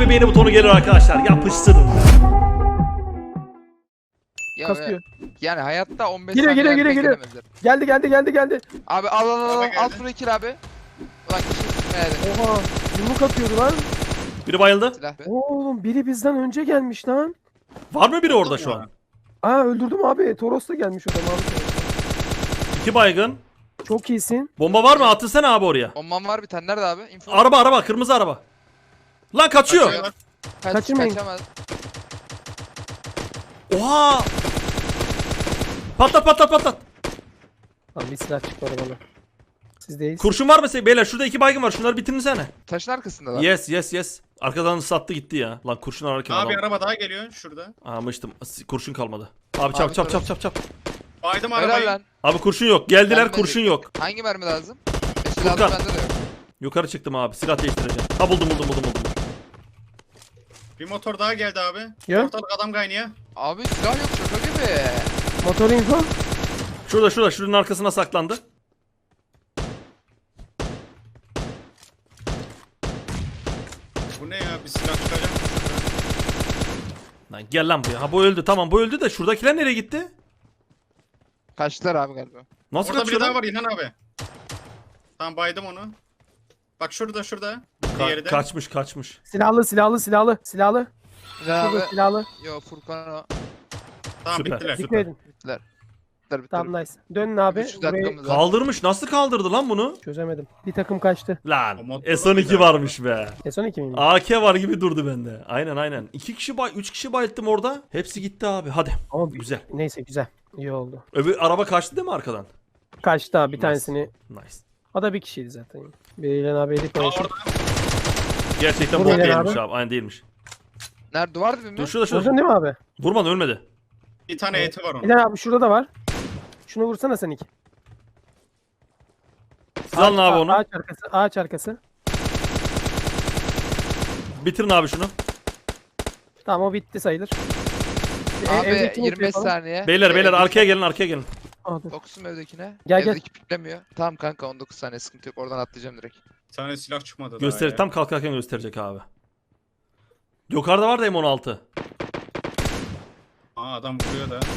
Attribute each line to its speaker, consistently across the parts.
Speaker 1: bir beğeni butonu gelir arkadaşlar. Yapıştırın.
Speaker 2: Ya,
Speaker 3: Kasıyor.
Speaker 2: yani hayatta 15
Speaker 3: Geliyor,
Speaker 2: saniye
Speaker 3: geliyor,
Speaker 2: erken
Speaker 3: geliyor.
Speaker 2: gelemezler.
Speaker 3: Geldi.
Speaker 2: Abi al
Speaker 4: Araba
Speaker 2: al
Speaker 4: geldi.
Speaker 2: şurayı kill abi. Ulan kişi sıkmayalım.
Speaker 3: Oha. Yumruk atıyordu lan.
Speaker 1: Biri bayıldı.
Speaker 2: Silah be.
Speaker 3: Oğlum biri bizden önce gelmiş lan.
Speaker 1: Var mı biri orada şu an?
Speaker 3: Aa öldürdüm abi. Toros da gelmiş o zaman.
Speaker 1: 2 baygın.
Speaker 3: Çok iyisin.
Speaker 1: Bomba var mı? Atırsana abi oraya.
Speaker 2: Bombam var bir tane nerede abi? Info.
Speaker 1: Araba kırmızı araba. Lan kaçıyor.
Speaker 4: Kaçıyorlar.
Speaker 3: Kaçırmayın.
Speaker 2: Kaçamaz.
Speaker 1: Oha. Patlat.
Speaker 3: Lan bir silah çıkmadı bana. Sizdeyiz.
Speaker 1: Kurşun var mı? Beyler şurada 2 baygın var. Şunları bitirsene.
Speaker 2: Taşın arkasında da.
Speaker 1: Yes. Arkadan sattı gitti ya. Lan kurşun ararken
Speaker 4: Abi
Speaker 1: adam.
Speaker 4: araba daha geliyor şurada.
Speaker 1: Almıştım. Kurşun kalmadı. Abi çap.
Speaker 4: Baydım
Speaker 2: Helal
Speaker 4: arabayı.
Speaker 2: lan.
Speaker 1: Abi kurşun yok. Geldiler
Speaker 2: Gelmedi.
Speaker 1: kurşun yok.
Speaker 2: Hangi mermi lazım?
Speaker 1: Furkan.
Speaker 2: Silahlı bende de yok.
Speaker 1: Yukarı çıktım abi. Silah değiştireceğim. Ha buldum.
Speaker 4: Bir motor daha geldi abi.
Speaker 3: Ya.
Speaker 4: Ortalık adam kaynıyor.
Speaker 2: Abi silah yok şaka gibi.
Speaker 3: Motor info.
Speaker 1: Şurada. Şunun arkasına saklandı.
Speaker 4: Bu ne ya? Bir silah çıkacak mı?
Speaker 1: Lan gel lan buraya. Ha bu öldü. Tamam bu öldü de şuradakiler nereye gitti?
Speaker 2: Kaçtılar abi galiba.
Speaker 1: Nasıl
Speaker 4: Orada
Speaker 1: kaçıyor
Speaker 4: biri daha
Speaker 1: lan?
Speaker 4: var İlhan abi. Tamam baydım onu. Bak şurada. Diğeri de.
Speaker 1: Kaçmış.
Speaker 3: Silahlı.
Speaker 2: Ya abi.
Speaker 3: Şurada silahlı.
Speaker 2: Yo Furkan o.
Speaker 4: Tamam
Speaker 1: Süper.
Speaker 4: bittiler.
Speaker 3: Dikkat edin.
Speaker 2: Bittiler.
Speaker 3: Tamam nice. Dönün abi.
Speaker 2: 3
Speaker 3: Burayı
Speaker 2: dakikamız var.
Speaker 1: Kaldırmış. Nasıl kaldırdı lan bunu?
Speaker 3: çözemedim. Bir takım kaçtı.
Speaker 1: Lan
Speaker 4: O motor
Speaker 1: S12
Speaker 4: güzel.
Speaker 1: varmış be.
Speaker 3: S12 miyim?
Speaker 1: AK var gibi durdu bende. Aynen. 3 kişi bayılttım orada. Hepsi gitti abi. Hadi.
Speaker 3: Ama
Speaker 1: Güzel.
Speaker 3: neyse güzel. İyi oldu.
Speaker 1: Öbür araba kaçtı değil mi arkadan?
Speaker 3: Kaçtı abi bir
Speaker 1: Nice.
Speaker 3: tanesini.
Speaker 1: Nice.
Speaker 3: O da bir kişiydi zaten. Biriyle abi elik
Speaker 4: Aa,
Speaker 3: konuşup.
Speaker 4: orada.
Speaker 1: Gerçekten
Speaker 3: Buraya
Speaker 1: bot
Speaker 3: gel
Speaker 1: değilmiş
Speaker 3: abi.
Speaker 1: abi. Aynen değilmiş.
Speaker 2: Nerede duvar dibi mi?
Speaker 1: Dur şurada.
Speaker 3: Vurdun değil mi abi?
Speaker 1: Vurmadı ölmedi.
Speaker 4: Bir tane eti var onun.
Speaker 3: Bir tane abi şurada da var. Şunu vursana sen iki.
Speaker 1: Siz alın abi onu.
Speaker 3: Ağaç arkası.
Speaker 1: Bitirin abi şunu.
Speaker 3: Tamam o bitti sayılır.
Speaker 2: Abi
Speaker 3: Evdekini
Speaker 2: 25
Speaker 3: yapalım.
Speaker 2: saniye.
Speaker 1: Beyler
Speaker 2: Evdeki-
Speaker 1: arkaya gelin.
Speaker 3: Aa, dur.
Speaker 2: Fokusum evdekine.
Speaker 3: Gel.
Speaker 2: Evdeki piklemiyor. Tamam kanka 19 saniye sıkıntı yok. Oradan atlayacağım direkt.
Speaker 4: Bir tane silah çıkmadı daha
Speaker 1: Göster
Speaker 4: ya.
Speaker 1: tam kalkarken gösterecek abi. Yukarıda var da M16.
Speaker 4: Aa adam vuruyor da.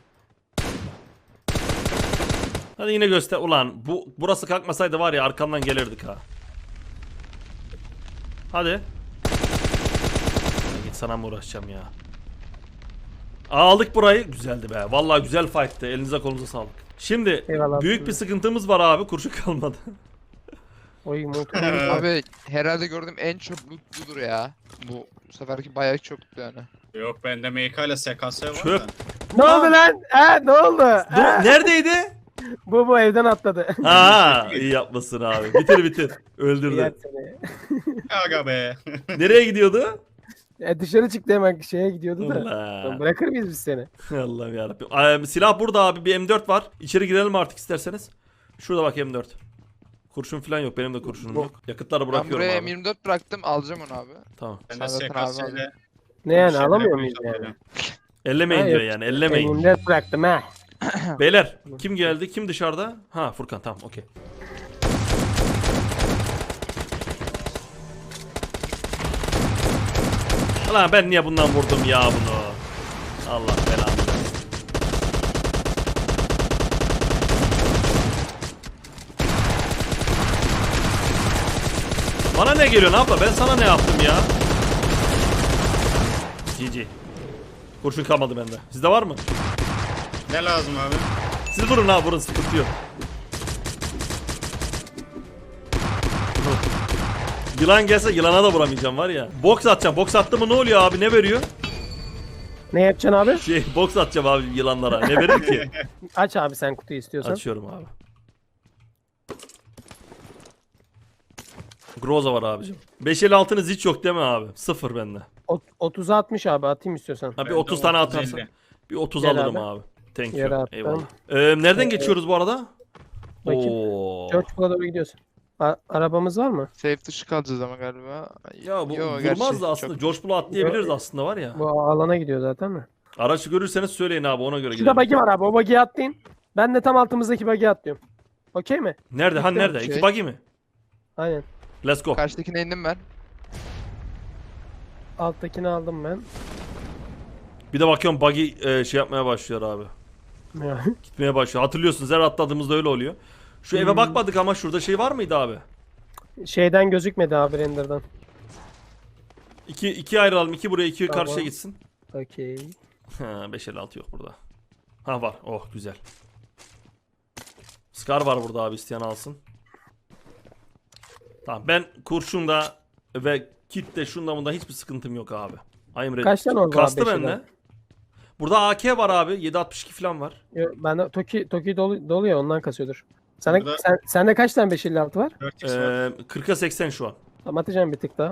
Speaker 1: Hadi yine göster. Ulan burası kalkmasaydı var ya arkamdan gelirdik ha. Hadi. Ya git sana mı uğraşacağım ya. Aldık burayı. Güzeldi be. Vallahi güzel fight'tı. Elinize kolunuza sağlık. Şimdi
Speaker 3: Eyvallah.
Speaker 1: büyük bir sıkıntımız var abi. Kurşun kalmadı.
Speaker 3: Oy motor.
Speaker 2: Abi herhalde gördüğüm en çok loot budur ya. Bu seferki bayağı çoktu yani.
Speaker 4: Yok bende MK ile SKS var
Speaker 1: Çöp.
Speaker 4: da.
Speaker 3: Ne oldu lan? Ne oldu?
Speaker 1: Neredeydi?
Speaker 3: Bu evden atladı.
Speaker 1: Ha, iyi yapmasın abi. Bitir. Öldürdü.
Speaker 3: Yer seni.
Speaker 4: Aga be.
Speaker 1: Nereye gidiyordu?
Speaker 3: Dışarı çıktı hemen şeye gidiyordu da.
Speaker 1: Allah.
Speaker 3: Bırakır mıyız biz seni?
Speaker 1: Allah'ım yarabbim. Silah burada abi. Bir M4 var. İçeri girelim artık isterseniz. Şurada bak M4. Kurşun falan yok. Benim de kurşunum yok. Yakıtları
Speaker 2: Ben
Speaker 1: bırakıyorum
Speaker 2: buraya
Speaker 1: abi.
Speaker 2: M24 bıraktım alacağım onu abi.
Speaker 1: Tamam.
Speaker 4: Bende
Speaker 2: Sen zaten
Speaker 4: SKS
Speaker 2: abi
Speaker 4: ile.
Speaker 3: Ne yani
Speaker 4: şeyler
Speaker 3: alamıyor
Speaker 4: yapmaya
Speaker 3: muyuz yani?
Speaker 4: çalışıyorum.
Speaker 1: Ellemeyin
Speaker 3: Ha,
Speaker 1: diyor
Speaker 3: yok.
Speaker 1: yani. Ellemeyin.
Speaker 3: Elimde bıraktım ha.
Speaker 1: Beyler kim geldi? Kim dışarıda? Ha Furkan tamam okey. Ulan ben niye bundan vurdum ya bunu? Allah belanı versin. Bana ne geliyorsun abla? Ben sana ne yaptım ya? GG. Kurşun kalmadı bende. Sizde var mı?
Speaker 4: Ne lazım abi?
Speaker 1: Siz vurun abi vurun sıkıntı yok. Yılan gelse yılana da vuramayacağım var ya. Boks atacağım. Boks attı mı ne oluyor abi? Ne veriyor?
Speaker 3: Ne yapacaksın abi?
Speaker 1: Boks atacağım abi yılanlara. Ne verir ki?
Speaker 3: Aç abi sen kutuyu istiyorsan.
Speaker 1: Açıyorum abi. Groza var abicim. 556'nız hiç yok değil mi abi? Sıfır bende.
Speaker 3: 30'a 60 abi atayım istiyorsan.
Speaker 1: Ha bir
Speaker 4: Bende
Speaker 1: 30 tane
Speaker 4: 30,
Speaker 1: atarsan.
Speaker 4: 50.
Speaker 1: Bir 30
Speaker 3: Gel
Speaker 1: alırım
Speaker 3: abi.
Speaker 1: abi. Thank
Speaker 3: Yere
Speaker 1: you.
Speaker 3: attım.
Speaker 1: Eyvallah. Nereden geçiyoruz bu arada?
Speaker 3: Bakayım.
Speaker 1: Oo.
Speaker 3: Georgepool'a doğru gidiyorsun. Arabamız var mı?
Speaker 2: Safe dışı kalacağız ama galiba.
Speaker 1: Ya bu
Speaker 2: Yo,
Speaker 1: vurmaz
Speaker 2: gerçi
Speaker 1: da aslında.
Speaker 2: çok-
Speaker 1: George Bull'u atlayabiliriz
Speaker 3: Yo,
Speaker 1: aslında var ya.
Speaker 3: Bu alana gidiyor zaten mi?
Speaker 1: Araç görürseniz söyleyin abi ona göre
Speaker 3: Şurada
Speaker 1: gidelim.
Speaker 3: bug'i var abi. O bug'i atlayın. Ben de tam altımızdaki bug'i atlıyorum. Okey mi?
Speaker 1: Nerede? Ha nerede?
Speaker 2: Şey-
Speaker 1: İki buggy mi?
Speaker 3: Aynen.
Speaker 1: Let's go.
Speaker 2: Karşıdakine indim ben.
Speaker 3: Alttakini aldım ben.
Speaker 1: Bir de bakıyorum buggy şey yapmaya başlıyor abi.
Speaker 3: Ya.
Speaker 1: Gitmeye başlıyor. Hatırlıyorsunuz her atladığımızda öyle oluyor. Şu eve bakmadık ama şurada şey var mıydı abi?
Speaker 3: Şeyden gözükmedi abi render'dan.
Speaker 1: İki ayrılalım. İki buraya, iki
Speaker 3: Tamam.
Speaker 1: karşıya gitsin.
Speaker 3: Okey.
Speaker 1: Ha, 556 yok burada. Ha var. Oh güzel. Scar var burada abi, isteyen alsın. Tamam, ben kurşunda ve kitle şunda bunda hiçbir sıkıntım yok abi. I'm ready.
Speaker 3: Kaç tane oldu abi
Speaker 1: Kastı
Speaker 3: beşeden?
Speaker 1: bende. Burada AK var abi. 762 falan var.
Speaker 3: Yo, bende Toki dolu ya ondan kasıyordur.
Speaker 4: Burada-
Speaker 3: Sende kaç tane 556 var?
Speaker 4: 4x var.
Speaker 1: 40'a 80 şu an.
Speaker 3: Tamam atacağım bir tık daha.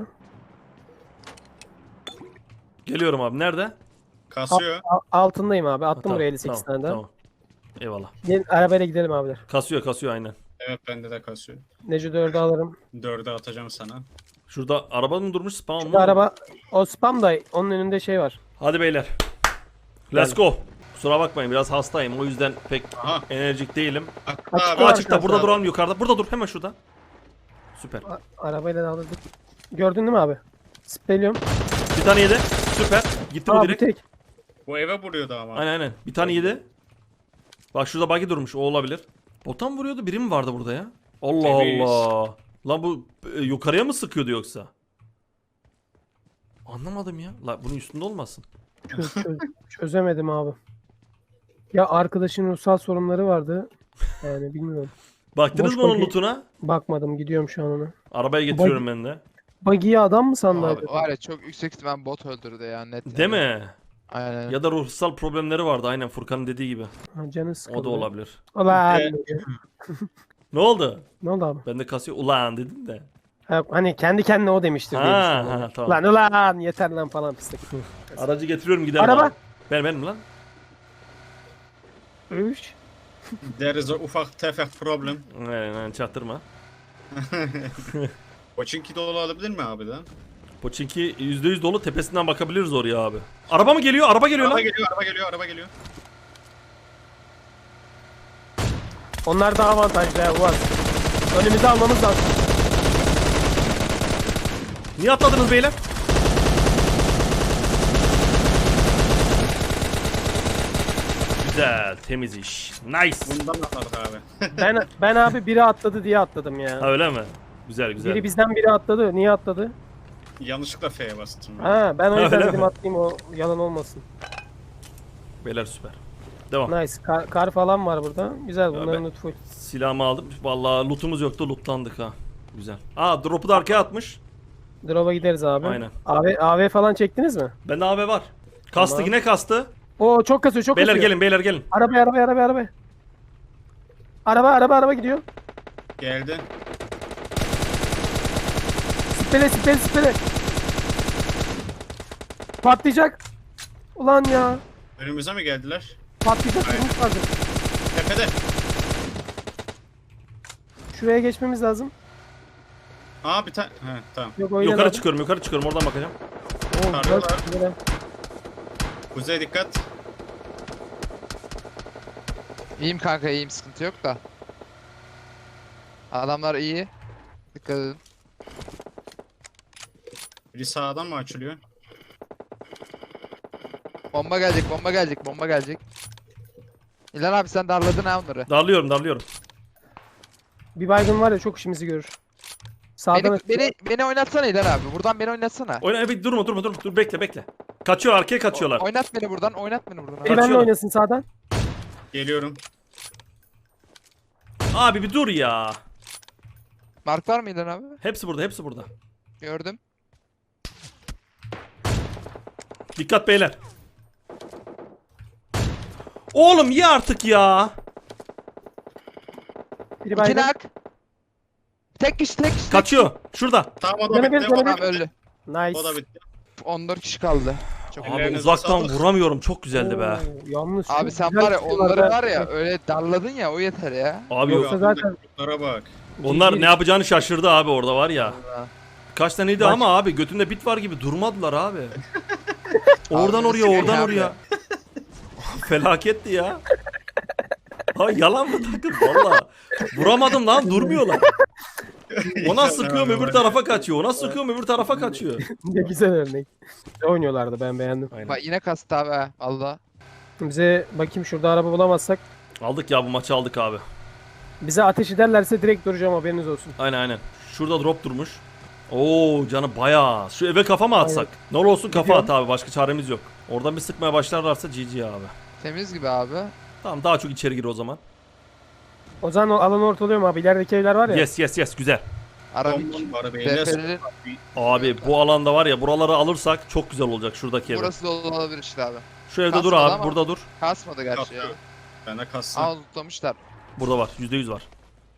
Speaker 1: Geliyorum abi. Nerede?
Speaker 4: Kasıyor.
Speaker 3: Altındayım abi. Attım
Speaker 1: Tamam,
Speaker 3: buraya 58
Speaker 1: tamam,
Speaker 3: tane daha.
Speaker 1: Tamam. Eyvallah.
Speaker 3: Gelin arabayla gidelim abiler.
Speaker 1: Kasıyor aynen.
Speaker 4: Evet bende de kasıyor.
Speaker 3: Neco 4'ü alırım.
Speaker 4: 4'e atacağım sana.
Speaker 1: Şurada araba mı durmuş, spam
Speaker 3: Şu
Speaker 1: mı?
Speaker 3: araba o spam da onun önünde şey var.
Speaker 1: Hadi beyler. Let's go. Kusura bakmayın, biraz hastayım. O yüzden pek
Speaker 4: Aha.
Speaker 1: enerjik değilim.
Speaker 4: Hatta
Speaker 3: Açık
Speaker 4: abi.
Speaker 3: var.
Speaker 1: Açıkta burada duralım, yukarıda. Burada dur, hemen şurada. Süper.
Speaker 3: Arabayla da alırdık. Gördün değil mi abi? Spreyliyorum.
Speaker 1: Bir tane yedi. Süper. Gitti bu
Speaker 3: Abi
Speaker 1: direkt.
Speaker 3: tek.
Speaker 4: Bu eve vuruyordu ama.
Speaker 1: Aynen. Bir tane yedi. Bak şurada buggy durmuş. O olabilir. Bota mı vuruyordu? Biri mi vardı burada ya? Allah
Speaker 4: Temiz.
Speaker 1: Allah. Lan bu yukarıya mı sıkıyordu yoksa? Anlamadım ya. La bunun üstünde olmasın.
Speaker 3: Çözemedim abi. Ya arkadaşın ruhsal sorunları vardı. Yani bilmiyorum.
Speaker 1: Baktınız
Speaker 3: Boş
Speaker 1: mı onun
Speaker 3: buggy.
Speaker 1: lootuna?
Speaker 3: Bakmadım gidiyorum şu an ona.
Speaker 1: Arabaya getiriyorum ben de.
Speaker 3: Buggy'yi adam mı sandı
Speaker 2: Abi,
Speaker 3: acaba?
Speaker 2: var ya çok yüksek ihtimal bot öldürdü ya net.
Speaker 1: Değil
Speaker 2: yani.
Speaker 1: mi?
Speaker 2: Aynen.
Speaker 1: Ya da ruhsal problemleri vardı, aynen Furkan'ın dediği gibi.
Speaker 3: Ha, canı sıkıldı.
Speaker 1: O da olabilir.
Speaker 3: Ulan.
Speaker 1: Ne oldu?
Speaker 3: Ne oldu abi?
Speaker 1: Ben de kasıyor. Ulan dedim de.
Speaker 3: Ha, hani kendi kendine o demiştir diye
Speaker 1: Ha,
Speaker 3: düşündüm.
Speaker 1: ha, tamam.
Speaker 3: Ulan yeter lan falan pislik.
Speaker 1: Aracı getiriyorum, gidelim
Speaker 3: Araba.
Speaker 1: abi. Benim lan.
Speaker 3: Üç.
Speaker 4: There is a ufak tefek problem.
Speaker 1: Aynen, çaktırma.
Speaker 4: Pochinki dolu alabilir mi abi lan?
Speaker 1: Poçinki %100 dolu, tepesinden bakabiliriz oraya abi. Araba mı geliyor? Araba geliyor
Speaker 4: Araba
Speaker 1: lan.
Speaker 4: geliyor, araba geliyor, araba geliyor.
Speaker 3: Onlar daha avantajlı ya Uaz. Önümüzü almamız lazım.
Speaker 1: Niye atladınız beyler? Güzel, temiz iş. Nice.
Speaker 4: Bundan atladık abi.
Speaker 3: Ben abi biri atladı diye atladım ya.
Speaker 1: Ha, öyle mi? Güzel güzel.
Speaker 3: Biri bizden biri atladı. Niye atladı?
Speaker 4: Yanlışlıkla F'ye bastım.
Speaker 3: Ha ben o yüzden
Speaker 1: Öyle
Speaker 3: dedim
Speaker 1: mi?
Speaker 3: atlayayım o yalan olmasın.
Speaker 1: Beyler süper. Devam.
Speaker 3: Nice. Kar falan var burada. Güzel bunların
Speaker 1: ben-
Speaker 3: loot full.
Speaker 1: Silahımı aldım. Vallahi lootumuz yoktu, lootlandık ha. Güzel. Aa, drop'u da arkaya atmış.
Speaker 3: Drop'a gideriz abi.
Speaker 1: Aynen.
Speaker 3: AV falan çektiniz mi?
Speaker 1: Bende AB var. Kastı,
Speaker 3: Tamam.
Speaker 1: yine kastı.
Speaker 3: Oo çok kasıyor çok
Speaker 1: Beyler
Speaker 3: kasıyor.
Speaker 1: gelin, beyler gelin.
Speaker 3: Araba. Araba gidiyor.
Speaker 4: Geldi.
Speaker 3: Spele. Patlayacak. Ulan ya.
Speaker 4: Önümüze mi geldiler?
Speaker 3: Patlayacak.
Speaker 4: Aynen.
Speaker 3: Durmuş lazım.
Speaker 4: Tepede.
Speaker 3: Şuraya geçmemiz lazım.
Speaker 4: Aa bir tane. He tamam.
Speaker 3: Yok o ileride.
Speaker 1: Yukarı çıkıyorum, oradan bakacağım.
Speaker 3: Oo,
Speaker 4: Tarıyorlar.
Speaker 3: güzel.
Speaker 4: Kuzey dikkat.
Speaker 2: İyiyim kanka iyiyim sıkıntı yok da. Adamlar iyi. Dikkat edin.
Speaker 4: Biri sağdan mı açılıyor?
Speaker 2: Bomba gelecek. İlhan abi sen darladın ha onları.
Speaker 1: Darlıyorum.
Speaker 3: Bir baygın var ya çok işimizi görür. Sağdan
Speaker 2: Beni oynatsana İlhan abi. Buradan beni oynatsana.
Speaker 1: Oyna, evet, durma. Dur, bekle. Kaçıyor, arkaya kaçıyorlar.
Speaker 2: Oynat beni buradan. Abi.
Speaker 3: biri benimle
Speaker 1: Kaçıyorlar.
Speaker 3: oynasın sağdan.
Speaker 4: Geliyorum.
Speaker 1: Abi bir dur ya.
Speaker 2: Mark var mı İlhan abi?
Speaker 1: Hepsi burada.
Speaker 2: Gördüm.
Speaker 1: Dikkat beyler. Oğlum ye artık ya.
Speaker 3: Biri
Speaker 2: İki
Speaker 3: baygın.
Speaker 2: nak. Tek kişi.
Speaker 1: Kaçıyor. Şurada.
Speaker 4: Tamam o da
Speaker 3: Canı bir,
Speaker 4: bitti.
Speaker 3: canı
Speaker 4: O da
Speaker 3: bir.
Speaker 2: Tamam
Speaker 4: bitti.
Speaker 2: öldü.
Speaker 3: Nice.
Speaker 4: O da bitti.
Speaker 2: 14 kişi kaldı. Çok
Speaker 1: Abi
Speaker 4: Ellerinize
Speaker 1: uzaktan
Speaker 4: sağlık.
Speaker 1: vuramıyorum. Çok güzeldi be.
Speaker 3: Oo, Yalnız
Speaker 2: Abi
Speaker 3: çok
Speaker 2: sen
Speaker 3: güzel
Speaker 2: var ya
Speaker 3: tutuyorlar
Speaker 2: onları
Speaker 3: ha.
Speaker 2: var ya öyle darladın ya o yeter ya.
Speaker 1: Abi
Speaker 4: Yok,
Speaker 1: yok.
Speaker 3: Yoksa zaten-
Speaker 4: altındaki bak.
Speaker 1: Onlar ne yapacağını şaşırdı abi, orada var ya.
Speaker 2: Allah.
Speaker 1: Kaç taneydi
Speaker 3: Bak-
Speaker 1: ama abi götünde bit var gibi durmadılar abi. Oradan
Speaker 2: Abi,
Speaker 1: oraya,
Speaker 2: şey
Speaker 1: oradan
Speaker 2: abi.
Speaker 1: oraya. Felaketti ya. Ha, yalan mı takım valla. Vuramadım lan, durmuyorlar. Ona sıkıyorum öbür tarafa kaçıyor. Ona sıkıyorum öbür tarafa kaçıyor.
Speaker 3: Ne güzel örnek. Ne oynuyorlardı, ben beğendim.
Speaker 1: Aynen.
Speaker 2: Bak yine kastı abi ha. Valla.
Speaker 3: Bize bakayım, şurada araba bulamazsak
Speaker 1: Aldık ya, bu maçı aldık abi.
Speaker 3: bize ateş ederlerse direkt duracağım, haberiniz olsun.
Speaker 1: Aynen. Şurada drop durmuş. Oo canı bayağı. Şu eve kafa mı atsak? Ne olursun kafa at abi, başka çaremiz yok. Oradan bir sıkmaya başlarlarsa GG abi.
Speaker 2: Temiz gibi abi.
Speaker 1: Tamam, daha çok içeri gir o zaman.
Speaker 3: O zaman o alanı ortalıyorum abi. İlerideki evler var ya.
Speaker 1: Yes güzel.
Speaker 2: Arabik.
Speaker 4: Bomba arabayı ne
Speaker 2: DP'li.
Speaker 1: Abi bu alanda var ya, buraları alırsak çok güzel olacak şuradaki ev.
Speaker 2: Burası da olabilir işte abi.
Speaker 1: Şu evde dur
Speaker 2: Kasmadı
Speaker 1: abi,
Speaker 2: ama.
Speaker 1: burada dur.
Speaker 2: Kasmadı gerçi ya.
Speaker 4: Kasıyor. Bende kassa.
Speaker 2: Aa lootlamışlar.
Speaker 1: Burada var, %100 var.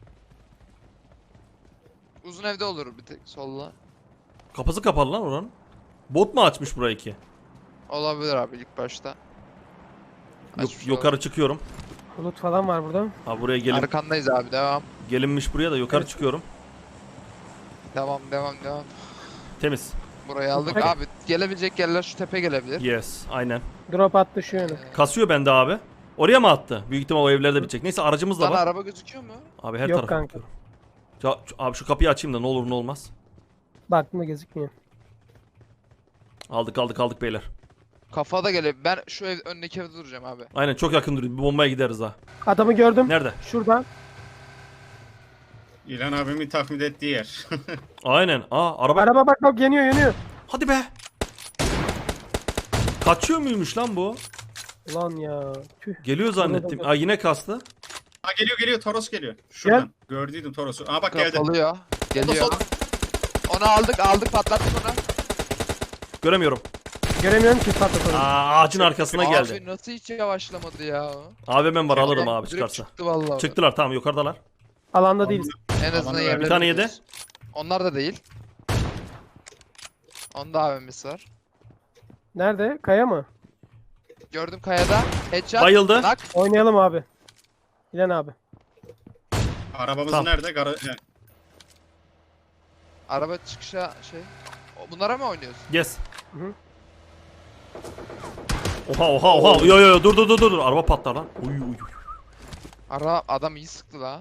Speaker 2: Uzun evde olur bir tek solla.
Speaker 1: Kapısı kapalı lan oranın. Bot mu açmış burayı ki?
Speaker 2: Olabilir abi ilk başta. Açmış
Speaker 1: Yukarı çıkıyorum.
Speaker 3: Bulut falan var burada.
Speaker 1: Ha buraya
Speaker 2: olabilir. Arkandayız abi devam.
Speaker 1: gelinmiş buraya da yukarı çıkıyorum.
Speaker 2: Devam.
Speaker 1: Temiz.
Speaker 2: Burayı aldık
Speaker 3: Peki.
Speaker 2: abi. Gelebilecek yerler şu tepe gelebilir.
Speaker 1: Yes, aynen.
Speaker 3: Drop attı şu yöne.
Speaker 1: Kasıyor bende abi. Oraya mı attı? Büyük ihtimal o evlerde bitecek. Neyse, aracımız da
Speaker 2: Sana
Speaker 1: var.
Speaker 2: araba gözüküyor mu?
Speaker 1: Abi her
Speaker 3: Yok
Speaker 1: tarafa
Speaker 3: kanka.
Speaker 1: bakıyorum. Abi şu kapıyı açayım da ne olur ne olmaz.
Speaker 3: Baktığımda gözükmüyor.
Speaker 1: Aldık beyler.
Speaker 2: Kafada gelebilir. Ben şu ev öndeki evde duracağım abi.
Speaker 1: Aynen, çok yakın duruyor. Bir bombaya gideriz ha.
Speaker 3: Adamı gördüm.
Speaker 1: Nerede?
Speaker 3: Şurada.
Speaker 4: İlhan abimin tahmin ettiği yer.
Speaker 1: Aynen. Araba.
Speaker 3: Araba bak yanıyor.
Speaker 1: Hadi be. Kaçıyor muymuş lan bu?
Speaker 3: Ulan ya. Tüh.
Speaker 1: Geliyor zannettim.
Speaker 3: Burada.
Speaker 1: Yine kastı.
Speaker 4: Ha geliyor Toros geliyor. Şuradan. Gördüydüm Toros'u. Aa bak geldi.
Speaker 2: Kapalıyor. Geliyor.
Speaker 4: Solda.
Speaker 2: Onu aldık patlattık onu.
Speaker 1: Göremiyorum.
Speaker 3: Göremiyorum ki patlatalım.
Speaker 1: Ağacın arkasına geldi.
Speaker 2: Abi nasıl hiç yavaşlamadı ya.
Speaker 1: AVM'm var, alırım
Speaker 2: Adam
Speaker 1: abi
Speaker 2: direkt
Speaker 1: çıkarsa.
Speaker 2: Çıktı vallahi.
Speaker 1: Çıktılar, tamam, yukarıdalar.
Speaker 3: Alanda değiliz.
Speaker 2: En azından
Speaker 4: Aman
Speaker 2: yerleri
Speaker 1: bir tane yedi.
Speaker 2: biliyoruz. Onlar da değil. Onda AVM'si var.
Speaker 3: Nerede? Kaya mı?
Speaker 2: Gördüm kayada. Headshot.
Speaker 1: Bayıldı.
Speaker 2: Knock.
Speaker 3: Oynayalım abi. İlan abi.
Speaker 4: Arabamız
Speaker 1: Tamam.
Speaker 4: nerede?
Speaker 2: Araba çıkışa şey. Bunlara mı oynuyorsun?
Speaker 1: Yes.
Speaker 3: Hı hı.
Speaker 1: Oha. Yo dur. Araba patlar lan. Uy.
Speaker 2: Adam iyi sıktı la.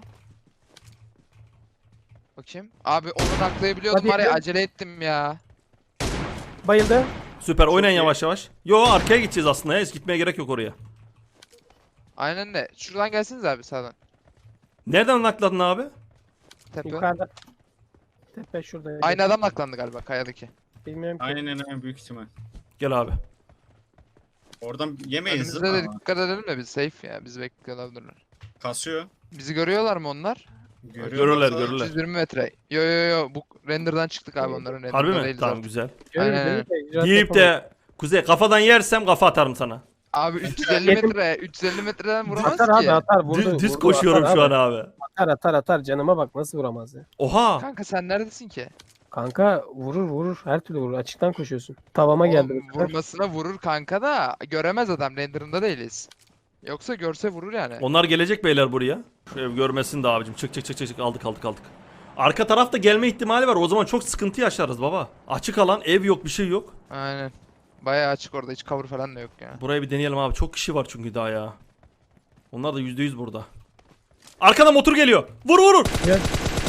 Speaker 2: Bakayım. Abi onu naklayabiliyordum
Speaker 3: Hadi
Speaker 2: var ya,
Speaker 3: gidelim.
Speaker 2: acele ettim ya.
Speaker 3: Bayıldı.
Speaker 1: Süper, oynayın
Speaker 4: iyi.
Speaker 1: yavaş yavaş. Yo, arkaya gideceğiz aslında ya. Hiç gitmeye gerek yok oraya.
Speaker 2: Aynen de. Şuradan gelsiniz abi sağdan.
Speaker 1: Nereden nakladın abi?
Speaker 2: Tepe.
Speaker 3: Yukarıda. Tepe şurada.
Speaker 2: Aynı adam naklandı galiba kayadaki.
Speaker 3: Bilmiyorum ki.
Speaker 4: Aynen büyük ihtimal.
Speaker 1: Gel abi.
Speaker 4: Oradan yemeyiz.
Speaker 2: Önümüzde de dikkat edelim de biz safe ya. Bizi bekliyor olabilirler.
Speaker 4: Kasıyor.
Speaker 2: Bizi görüyorlar mı onlar?
Speaker 1: Görürler.
Speaker 2: 320 metre. Yo. Bu render'dan çıktık abi onların.
Speaker 1: Harbi
Speaker 2: render'da
Speaker 1: mi?
Speaker 2: değiliz
Speaker 1: Tamam,
Speaker 2: artık.
Speaker 1: güzel.
Speaker 3: Görüyoruz,
Speaker 2: Aynen.
Speaker 3: değil mi? İcraat
Speaker 1: Deyip
Speaker 3: yapamayız.
Speaker 1: de Kuzey kafadan yersem kafa atarım sana.
Speaker 2: Abi 350 metre. 350 metreden vuramaz
Speaker 3: Atar abi
Speaker 2: ki.
Speaker 3: atar. Vurdu,
Speaker 1: Düz
Speaker 3: vurdu,
Speaker 1: koşuyorum
Speaker 3: atar
Speaker 1: şu
Speaker 3: abi.
Speaker 1: an abi.
Speaker 3: Atar. Canıma bak, nasıl vuramaz ya.
Speaker 1: Oha.
Speaker 2: Kanka sen neredesin ki?
Speaker 3: Kanka vurur. Her türlü vurur. Açıktan koşuyorsun. Tavama geldi.
Speaker 2: Oğlum,
Speaker 3: bu sefer.
Speaker 2: vurmasına vurur kanka da göremez adam, render'ında değiliz. Yoksa görse vurur yani.
Speaker 1: Onlar gelecek beyler buraya. Şu ev görmesin de abicim. Çık. Aldık. Arka tarafta gelme ihtimali var. O zaman çok sıkıntı yaşarız baba. Açık alan, ev yok, bir şey yok.
Speaker 2: Aynen. Bayağı açık orada, hiç cover falan da yok ya.
Speaker 1: Burayı bir deneyelim abi. Çok kişi var çünkü daha ya. Onlar da %100 burada. Arkadan motor geliyor. Vur.
Speaker 3: Gel.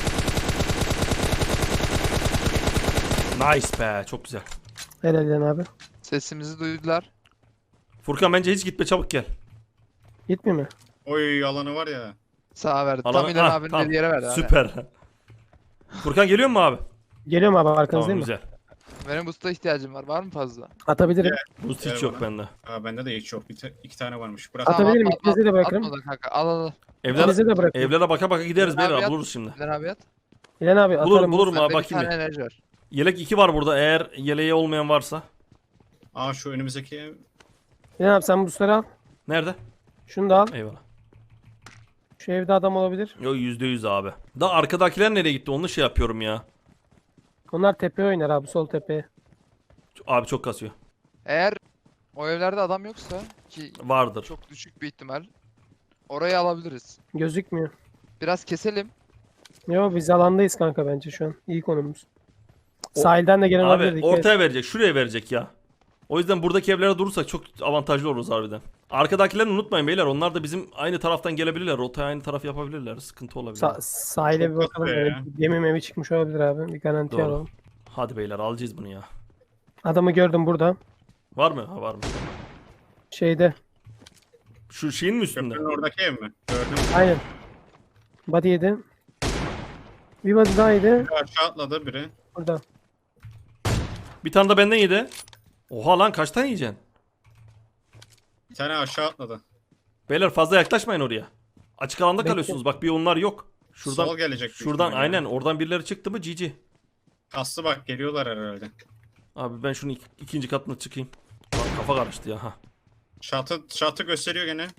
Speaker 1: Nice be. Çok güzel.
Speaker 3: Helal İlan abi.
Speaker 2: Sesimizi duydular.
Speaker 1: Furkan bence hiç gitme, çabuk gel.
Speaker 3: Gitmiyor mu?
Speaker 4: Oy alanı var ya.
Speaker 2: Sağa verdi.
Speaker 1: Alan-
Speaker 2: Tam İlhan
Speaker 1: Ha,
Speaker 2: abinin
Speaker 1: tamam.
Speaker 2: dediği yere verdi.
Speaker 1: Süper. Furkan geliyor mu abi?
Speaker 3: Geliyorum abi, arkanızdayım
Speaker 1: Tamam,
Speaker 3: mı?
Speaker 1: güzel.
Speaker 2: Benim boost'a ihtiyacım var. Var mı fazla?
Speaker 3: Atabilirim.
Speaker 1: Boost
Speaker 4: Gel
Speaker 1: hiç yok
Speaker 4: bana.
Speaker 1: bende.
Speaker 4: Ha bende de hiç yok. İki tane varmış. Bırak.
Speaker 3: Atabilir miyim?
Speaker 2: atma,
Speaker 3: İkinizi de bırakırım.
Speaker 2: atma da kanka. Al.
Speaker 1: Evlere,
Speaker 3: de bırakın.
Speaker 1: evlere baka gideriz
Speaker 2: Abi
Speaker 1: beyler,
Speaker 2: yat.
Speaker 1: buluruz şimdi.
Speaker 2: İlhan abi at.
Speaker 3: İlan abi atarım.
Speaker 1: Bulurum abi,
Speaker 2: Bende bir
Speaker 1: bakayım
Speaker 2: tane
Speaker 1: bir.
Speaker 2: enerji var.
Speaker 1: Yelek 2 var burada, eğer yeleği olmayan varsa.
Speaker 4: Aa şu önümüzdeki ev.
Speaker 3: İlan abi sen busları al.
Speaker 1: Nerede?
Speaker 3: Şunu da al.
Speaker 1: Eyvallah.
Speaker 3: Şu evde adam olabilir.
Speaker 1: Yo, %100 abi. Da arkadakiler nereye gitti, onu şey yapıyorum ya.
Speaker 3: Onlar tepeye oynar abi, sol tepeye.
Speaker 1: Abi çok kasıyor.
Speaker 2: Eğer o evlerde adam yoksa ki
Speaker 1: Vardır.
Speaker 2: çok düşük bir ihtimal, orayı alabiliriz.
Speaker 3: Gözükmüyor.
Speaker 2: Biraz keselim.
Speaker 3: Yo, biz alandayız kanka bence şu an. İyi konumuz. Sahilden de gelen olabilir.
Speaker 1: Abi
Speaker 3: dikkat et.
Speaker 1: ortaya verecek, şuraya verecek ya. O yüzden buradaki evlere durursak çok avantajlı oluruz harbiden. Arkadakilerini unutmayın beyler. Onlar da bizim aynı taraftan gelebilirler. Rotaya aynı taraf yapabilirler. Sıkıntı olabilir.
Speaker 3: Sahile bir
Speaker 4: Çok
Speaker 3: bakalım.
Speaker 4: kötü ya.
Speaker 3: Evet, gemi memi çıkmış olabilir abi. Bir garanti
Speaker 1: Doğru.
Speaker 3: alalım.
Speaker 1: Hadi beyler alacağız bunu ya.
Speaker 3: Adamı gördüm burada.
Speaker 1: Var mı? Ha var mı?
Speaker 3: Şeyde.
Speaker 1: Şu şeyin mi üstünde?
Speaker 4: Köprünün oradaki ev mi? Gördüm.
Speaker 3: Aynen. Body yedi. Bir body daha yedi.
Speaker 4: Bir aşağı atladı biri.
Speaker 3: Burada.
Speaker 1: Bir tane de benden yedi. Oha lan kaç tane yiyeceksin?
Speaker 4: Bir tane aşağı atladı.
Speaker 1: Beyler fazla yaklaşmayın oraya. Açık alanda
Speaker 3: Bekle.
Speaker 1: kalıyorsunuz. Bak bir onlar yok. Şuradan
Speaker 4: Sol gelecek. büyük
Speaker 1: şuradan
Speaker 4: ihtimalle.
Speaker 1: aynen oradan birileri çıktı mı GG.
Speaker 4: Kaslı bak geliyorlar herhalde.
Speaker 1: Abi ben şunu ikinci katına çıkayım. Lan kafa karıştı ya ha.
Speaker 4: Şatı gösteriyor gene.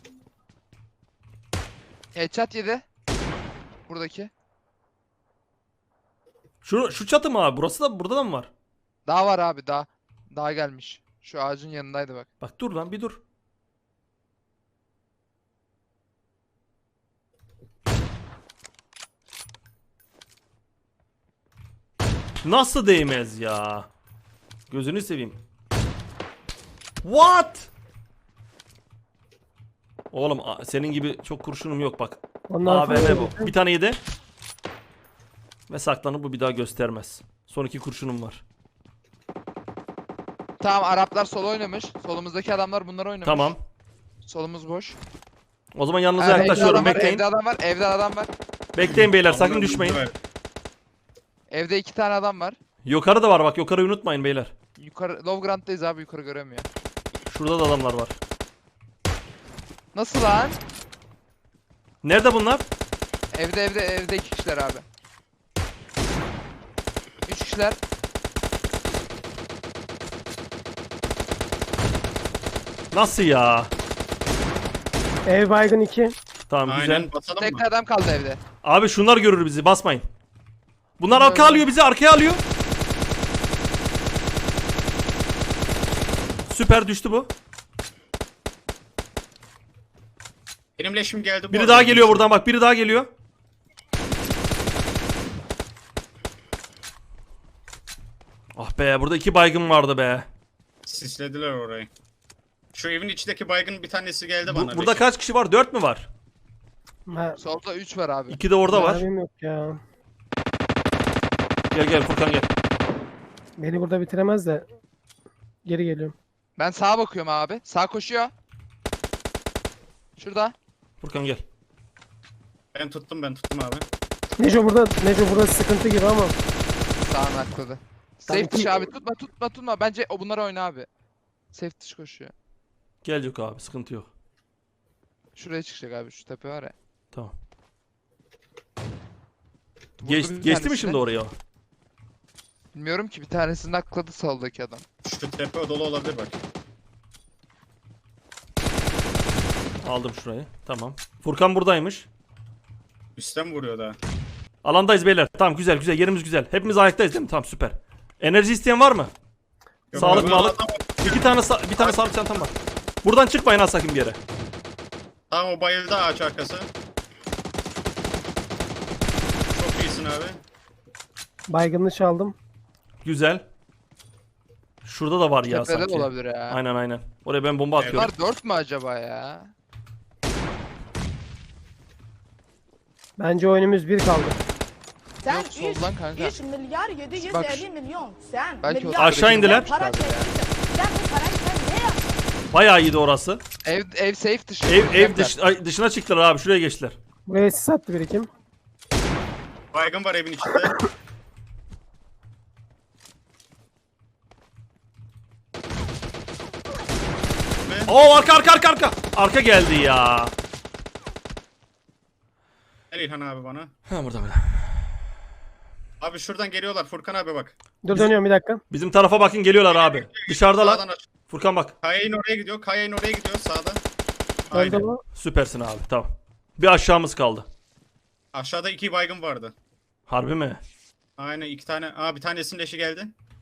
Speaker 2: Headshot yedi. Buradaki.
Speaker 1: Şu çatı mı abi? Burası da burada da mı var?
Speaker 2: Daha var abi daha. Daha gelmiş. Şu ağacın yanındaydı bak.
Speaker 1: Bak dur lan bir dur. Nasıl değmez ya? Gözünü seveyim. What? Oğlum senin gibi çok kurşunum yok bak.
Speaker 3: Ondan
Speaker 1: AVM
Speaker 3: sonra
Speaker 1: bu. Bir tane yedi. Ve saklanıp bu bir daha göstermez. Son 2 kurşunum var.
Speaker 2: Tamam Araplar sol oynamış. Solumuzdaki adamlar bunları oynamış.
Speaker 1: Tamam.
Speaker 2: Solumuz boş.
Speaker 1: O zaman yanınıza
Speaker 2: Evde
Speaker 1: yaklaşıyorum.
Speaker 2: adam var,
Speaker 1: Bekleyin.
Speaker 2: Evde adam var. Evde adam var.
Speaker 1: Bekleyin beyler sakın
Speaker 4: Amına
Speaker 1: düşmeyin.
Speaker 4: koyayım.
Speaker 2: Evde 2 tane adam var.
Speaker 1: Yukarı da var bak. Yukarıyı unutmayın beyler.
Speaker 2: Yukarı Low Ground'dayız abi yukarı göremiyor.
Speaker 1: Şurada da adamlar var.
Speaker 2: Nasıl lan?
Speaker 1: Nerede bunlar?
Speaker 2: Evde 2 kişiler abi. 3 kişiler.
Speaker 1: Nasıl ya?
Speaker 3: ev baygın 2.
Speaker 1: Tamam güzel.
Speaker 4: Aynen basalım
Speaker 2: Tek
Speaker 4: mı?
Speaker 2: adam kaldı evde.
Speaker 1: Abi şunlar görür bizi. Basmayın. Bunlar
Speaker 2: Bunlar
Speaker 1: arka
Speaker 2: öyle.
Speaker 1: alıyor bizi. Arkaya alıyor. Süper düştü bu.
Speaker 4: Benim leşim geldi. bu
Speaker 1: Biri
Speaker 4: arada.
Speaker 1: daha geliyor buradan bak. Biri daha geliyor. Ah be burada 2 baygın vardı be.
Speaker 4: Sislediler orayı. Şu evin içindeki baygın bir tanesi geldi bana.
Speaker 1: Burada
Speaker 4: leşim.
Speaker 1: kaç kişi var? 4 mü var?
Speaker 3: Ha,
Speaker 2: Solda 3 var abi.
Speaker 1: 2 de orada var.
Speaker 3: mermim yok ya.
Speaker 1: Gel Furkan gel.
Speaker 3: Beni burada bitiremez de. Geri geliyorum.
Speaker 2: Ben sağa bakıyorum abi. Sağ koşuyor. Şurada.
Speaker 1: Furkan gel.
Speaker 4: Ben tuttum abi.
Speaker 3: Neco burada sıkıntı gibi ama.
Speaker 2: Sağına atladı.
Speaker 3: Tabii
Speaker 2: Safe dışı
Speaker 3: ki-
Speaker 2: abi. Tutma. Bence o bunlar oyna abi. Safe dışı koşuyor.
Speaker 1: Gel yok abi sıkıntı yok.
Speaker 2: Şuraya çıkacak abi. Şu tepe var ya.
Speaker 1: Tamam.
Speaker 2: Vurdu bir
Speaker 1: Geçti mi
Speaker 2: tanesini.
Speaker 1: şimdi oraya?
Speaker 2: Bilmiyorum ki bir tanesini akladı soldaki adam.
Speaker 4: Şu tepe dolu olabilir bak.
Speaker 1: Aldım şurayı. Tamam. Furkan buradaymış.
Speaker 4: Üstten vuruyor daha.
Speaker 1: Alandayız beyler. Tamam güzel yerimiz güzel. Hepimiz ayaktayız değil mi? Tamam süper. Enerji isteyen var mı?
Speaker 4: Yok,
Speaker 1: Sağlık
Speaker 4: abi,
Speaker 1: mağlık.
Speaker 4: adam-
Speaker 1: Bir tane sağlık çantam var. Buradan çıkmayın ha sakın bir yere.
Speaker 4: Tamam o bayıldı ağaç arkası. Çok iyisin abi.
Speaker 3: Baygınını çaldım.
Speaker 1: Güzel. Şurada da var ya
Speaker 2: Tepede de
Speaker 1: sanki.
Speaker 2: olabilir ya.
Speaker 1: Aynen. Oraya ben bomba atıyorum.
Speaker 2: Bunlar 4 mü acaba ya?
Speaker 3: Bence oyunumuz 1 kaldı.
Speaker 5: Sen
Speaker 2: Yok, soldan kanka.
Speaker 5: 3 milyar 750
Speaker 2: Bak,
Speaker 5: milyon. Sen
Speaker 2: belki o
Speaker 5: milyar
Speaker 1: Aşağı indiler.
Speaker 5: para çekmişsin. Sen bu parayı sen ne yaptın?
Speaker 1: Bayağı iyiydi orası.
Speaker 2: Ev safe dışı.
Speaker 1: Ev dışına çıktılar abi. Şuraya geçtiler.
Speaker 3: Buraya sis attı birikim.
Speaker 4: Baygın var evin içinde.
Speaker 1: Oo arka. Arka geldi ya.
Speaker 4: Gel İlhan abi bana.
Speaker 1: Ha burada.
Speaker 4: Abi şuradan geliyorlar Furkan abi bak.
Speaker 3: Dur dönüyorum bir dakika.
Speaker 1: Bizim tarafa bakın geliyorlar abi. Dışarıdalar.
Speaker 4: Sağdan aç.
Speaker 1: Furkan bak.
Speaker 4: Kayayın oraya gidiyor sağda.
Speaker 3: Öldü
Speaker 4: Aynen.
Speaker 3: bu.
Speaker 1: Süpersin abi tamam. Bir aşağımız kaldı.
Speaker 4: Aşağıda 2 baygın vardı.
Speaker 1: Harbi mi?
Speaker 4: Aynen 2 tane. Bir tanesinin leşi geldi.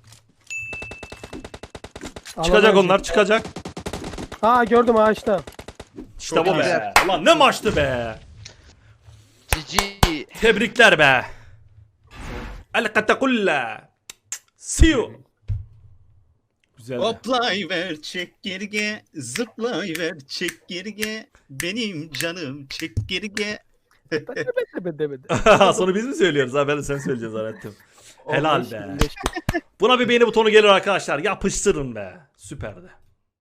Speaker 1: Çıkacak
Speaker 3: Alamam.
Speaker 1: onlar çıkacak.
Speaker 3: Aa gördüm ağaçta.
Speaker 1: İşte
Speaker 4: Çok
Speaker 1: bu be.
Speaker 2: güzel.
Speaker 1: Ulan ne maçtı be.
Speaker 2: GG.
Speaker 1: Tebrikler be. El katakulla. See you. Güzel.
Speaker 4: Hoplayıver çekirge, zıplayıver çekirge, benim canım çekirge.
Speaker 3: Demedi.
Speaker 1: Sonra biz mi söylüyoruz ha? Ben de sen söyleyeceğiz zannettim. Helal
Speaker 3: 15,
Speaker 1: be.
Speaker 3: 25.
Speaker 1: Buna bir beğeni butonu gelir arkadaşlar. Yapıştırın be. Süperdi.